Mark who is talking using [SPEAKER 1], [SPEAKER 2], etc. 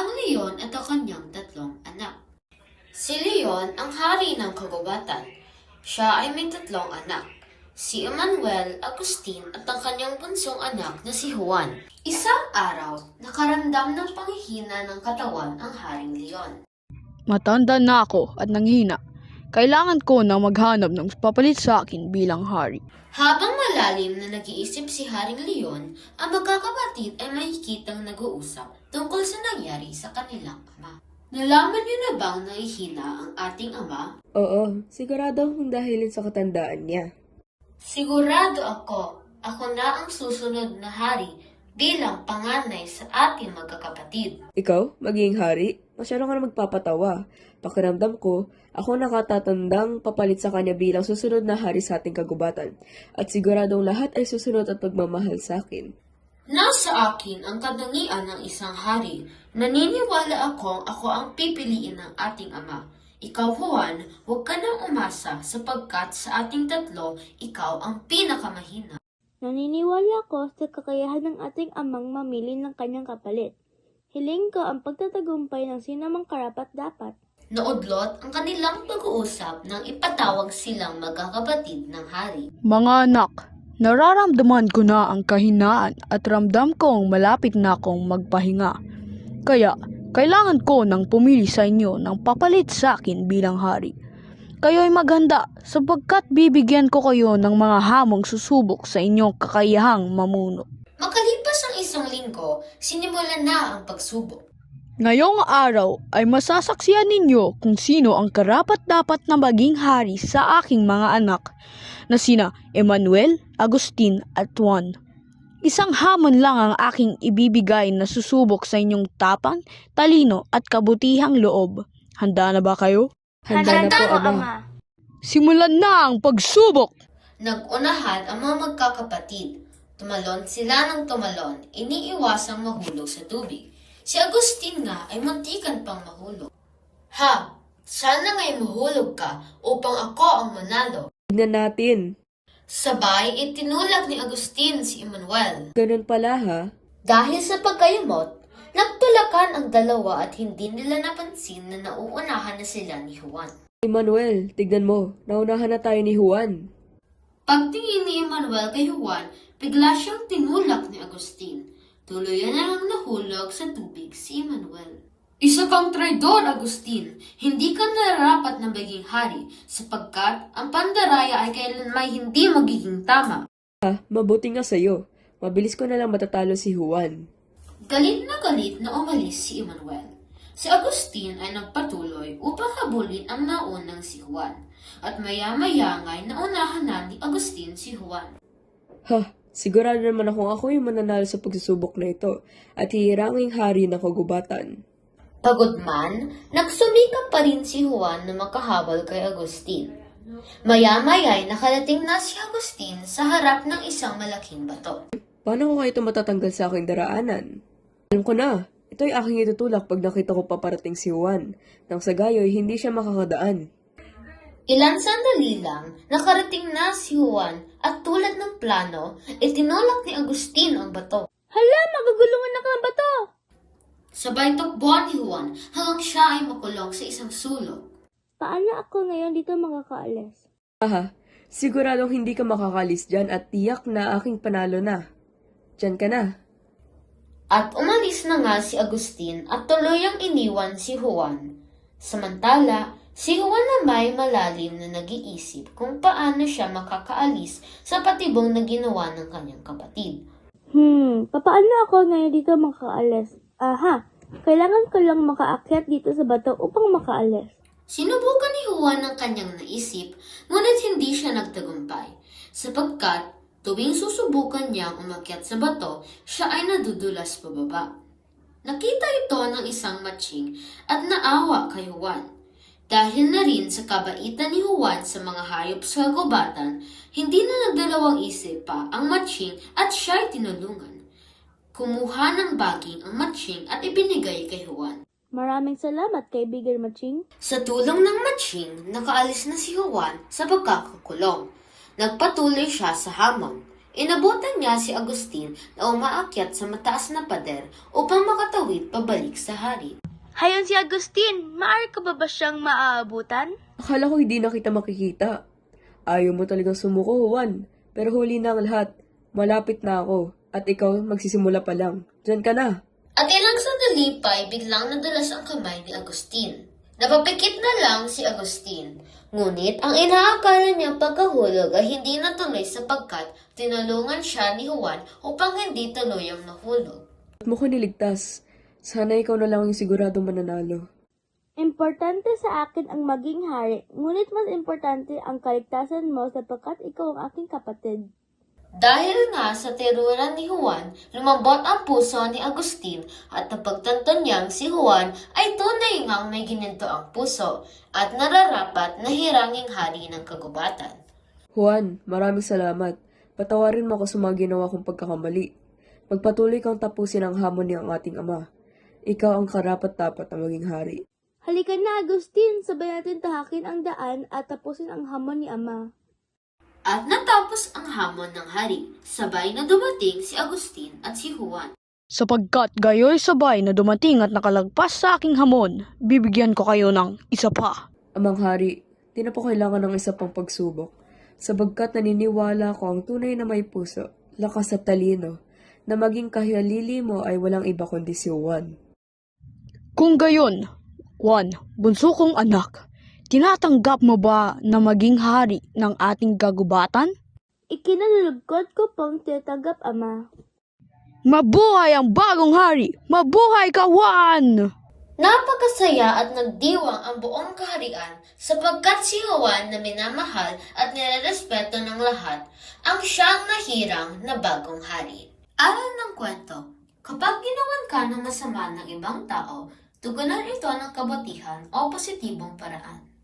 [SPEAKER 1] ang leon at ang kanyang tatlong anak. Si Leon ang hari ng kagubatan. Siya ay may tatlong anak, si Emmanuel, Agustin at ang kanyang bunsong anak na si Juan. Isang araw, nakaramdam ng panghihina ng katawan ang Haring Leon.
[SPEAKER 2] Matanda na ako at nanghina. Kailangan ko na maghanap ng papalit sa akin bilang hari.
[SPEAKER 1] Habang malalim na nag-iisip si Haring Leon, ang magkakapatid ay makikitang nag-uusap tungkol sa nangyari sa kanilang ama. Nalaman niyo na bang nahihina ang ating ama?
[SPEAKER 3] Oo, sigurado akong dahilin sa katandaan niya.
[SPEAKER 1] Sigurado ako na ang susunod na hari bilang panganay sa ating magkakapatid.
[SPEAKER 3] Ikaw, magiging hari? Masyado ka na magpapatawa. Pakiramdam ko, ako nakatatandang papalit sa kanya bilang susunod na hari sa ating kagubatan. At siguradong lahat ay susunod at magmamahal sa akin.
[SPEAKER 1] Nasa akin ang katangian ng isang hari. Naniniwala ako ang pipiliin ng ating ama. Ikaw, Juan, huwag ka nang umasa sapagkat sa ating tatlo, ikaw ang pinakamahina.
[SPEAKER 4] Naniniwala ko sa kakayahan ng ating amang mamili ng kanyang kapalit. Hiling ko ang pagtatagumpay ng sinamang karapat-dapat.
[SPEAKER 1] Naudlot ang kanilang pag-uusap nang ipatawag silang magkakapatid ng hari.
[SPEAKER 2] Mga anak, nararamdaman ko na ang kahinaan at ramdam kong malapit na akong magpahinga. Kaya, kailangan ko nang pumili sa inyo ng papalit sa akin bilang hari. Kayo'y maghanda sapagkat bibigyan ko kayo ng mga hamong susubok sa inyong kakayahang mamuno.
[SPEAKER 1] Makalipas ang isang linggo, sinimulan na ang pagsubok.
[SPEAKER 2] Ngayong araw ay masasaksihan ninyo kung sino ang karapat-dapat na maging hari sa aking mga anak na sina Emmanuel, Agustin at Juan. Isang hamon lang ang aking ibibigay na susubok sa inyong tapang, talino at kabutihang loob. Handa na ba kayo?
[SPEAKER 3] Handa na po, Ama.
[SPEAKER 2] Simulan na ang pagsubok!
[SPEAKER 1] Nag-unahan ang mga magkakapatid. Tumalon sila ng tumalon, iniiwasang mahulog sa tubig. Si Agustin nga ay muntikan pang mahulog. Ha! Sana nga'y mahulog ka upang ako ang manalo.
[SPEAKER 3] Tignan natin.
[SPEAKER 1] Sabay itinulak ni Agustin si Emmanuel.
[SPEAKER 3] Ganun pala ha.
[SPEAKER 1] Dahil sa pagkayamot, nagtulakan ang dalawa at hindi nila napansin na nauunahan na sila ni Juan.
[SPEAKER 3] Emmanuel, tignan mo. Naunahan na tayo ni Juan.
[SPEAKER 1] Pagtingin ni Emmanuel kay Juan, bigla siyang tinulak ni Agustin. Tuluyan na lang nahulog sa tubig si Emmanuel. Isa kang traidor, Agustin. Hindi ka nararapat na maging hari sapagkat ang pandaraya ay kailanmay hindi magiging tama.
[SPEAKER 3] Mabuti nga sa'yo. Mabilis ko na lang matatalo si Juan.
[SPEAKER 1] Galit na umalis si Emmanuel. Si Agustin ay nagpatuloy upang habulin ang naunang si Juan. At maya-maya nga'y naunahan na ni Agustin si Juan.
[SPEAKER 3] Sigurado naman ako yung mananalo sa pagsusubok na ito at hihiranging hari ng kagubatan.
[SPEAKER 1] Pagod man, nagsumikap pa rin si Juan na makahabol kay Agustin. Maya-maya'y nakarating na si Agustin sa harap ng isang malaking bato.
[SPEAKER 3] Paano ko kayo ito matatanggal sa aking daraanan? Alam ko na, ito'y aking itutulak pag nakita ko paparating si Juan. Nang sa gayo'y hindi siya makakadaan.
[SPEAKER 1] Ilan sandali lang, nakarating na si Juan at tulad ng plano, itinulak ni Agustin ang bato.
[SPEAKER 4] Hala, magugulungan na ka ang bato!
[SPEAKER 1] Sabay takbuhan ni Juan hanggang siya ay makulong sa isang sulok.
[SPEAKER 4] Paano ako ngayon dito makakaalis?
[SPEAKER 3] Siguradong hindi ka makakalis dyan at tiyak na aking panalo na. Dyan ka na.
[SPEAKER 1] At umalis na nga si Agustin at tuluyang iniwan si Juan. Samantala, si Juan na may malalim na nag-iisip kung paano siya makakaalis sa patibong na ginawa ng kanyang kapatid.
[SPEAKER 4] Paano ako ngayon dito makakaalis? Kailangan ko lang makaakyat dito sa bato upang makaalis.
[SPEAKER 1] Sinubukan ni Juan ang kanyang naisip, ngunit hindi siya nagtagumpay, sapagkat tuwing susubukan niyang umakyat sa bato, siya ay nadudulas pababa. Nakita ito ng isang matching at naawa kay Juan. Dahil na rin sa kabaitan ni Juan sa mga hayop sa kagubatan, hindi na nagdalawang isip pa ang matching at siya'y tinulungan. Kumuha ng baging ang matching at ibinigay kay Juan.
[SPEAKER 4] Maraming salamat, kaibigan Matching.
[SPEAKER 1] Sa tulong ng matching, nakaalis na si Juan sa pagkakakulong. Nagpatuloy siya sa hamon. Inabutan niya si Agustin na umaakyat sa mataas na pader upang makatawid pabalik sa hari.
[SPEAKER 4] Hayon si Agustin, maaari ka ba siyang maaabutan?
[SPEAKER 3] Akala ko hindi na kita makikita. Ayaw mo talagang sumuko, Juan. Pero huli na ang lahat. Malapit na ako. At ikaw magsisimula pa lang. Diyan ka na.
[SPEAKER 1] At ilang sandali pa ay biglang nadulas ang kamay ni Agustin. Napapikit na lang si Agustin. Ngunit ang inaakala niyang pagkahulog ay hindi natuloy sapagkat tinulungan siya ni Juan upang hindi tuluyang nahulog.
[SPEAKER 3] At mo ko niligtas. Sana ikaw na lang yung siguradong mananalo.
[SPEAKER 4] Importante sa akin ang maging hari, ngunit mas importante ang kaligtasan mo sapagkat ikaw ang aking kapatid.
[SPEAKER 1] Dahil nga sa teruran ni Juan, lumambot ang puso ni Agustin at napagtanto niyang si Juan ay tunay ngang may gininto ang puso at nararapat na hiranging hari ng kagubatan.
[SPEAKER 3] Juan, maraming salamat. Patawarin mo ako sa mga ginawa kong pagkakamali. Magpatuloy kang tapusin ang hamon ng ating ama. Ikaw ang karapat-dapat na maging hari.
[SPEAKER 4] Halika na, Agustin, sabay natin tahakin ang daan at tapusin ang hamon ni Ama.
[SPEAKER 1] At natapos ang hamon ng hari, sabay na dumating si Agustin at si Juan.
[SPEAKER 2] Sapagkat gayo'y sabay na dumating at nakalagpas sa aking hamon, bibigyan ko kayo ng isa pa.
[SPEAKER 3] Amang hari, di na po kailangan ng isa pang pagsubok. Sabagkat naniniwala ko ang tunay na may puso, lakas at talino, na maging kahialili mo ay walang iba kundi si Juan.
[SPEAKER 2] Kung gayon, Juan, bunso kong anak, tinatanggap mo ba na maging hari ng ating kagubatan?
[SPEAKER 4] Ikinalulugkod ko pong tinatanggap, Ama.
[SPEAKER 2] Mabuhay ang bagong hari! Mabuhay ka, Juan!
[SPEAKER 1] Napakasaya at nagdiwang ang buong kaharian sapagkat si Juan na minamahal at nirerespeto ng lahat ang siyang nahirang na bagong hari. Aral ng kwento, kapag ginawan ka ng masama ng ibang tao, tugunan ito ng kabutihan o positibong paraan.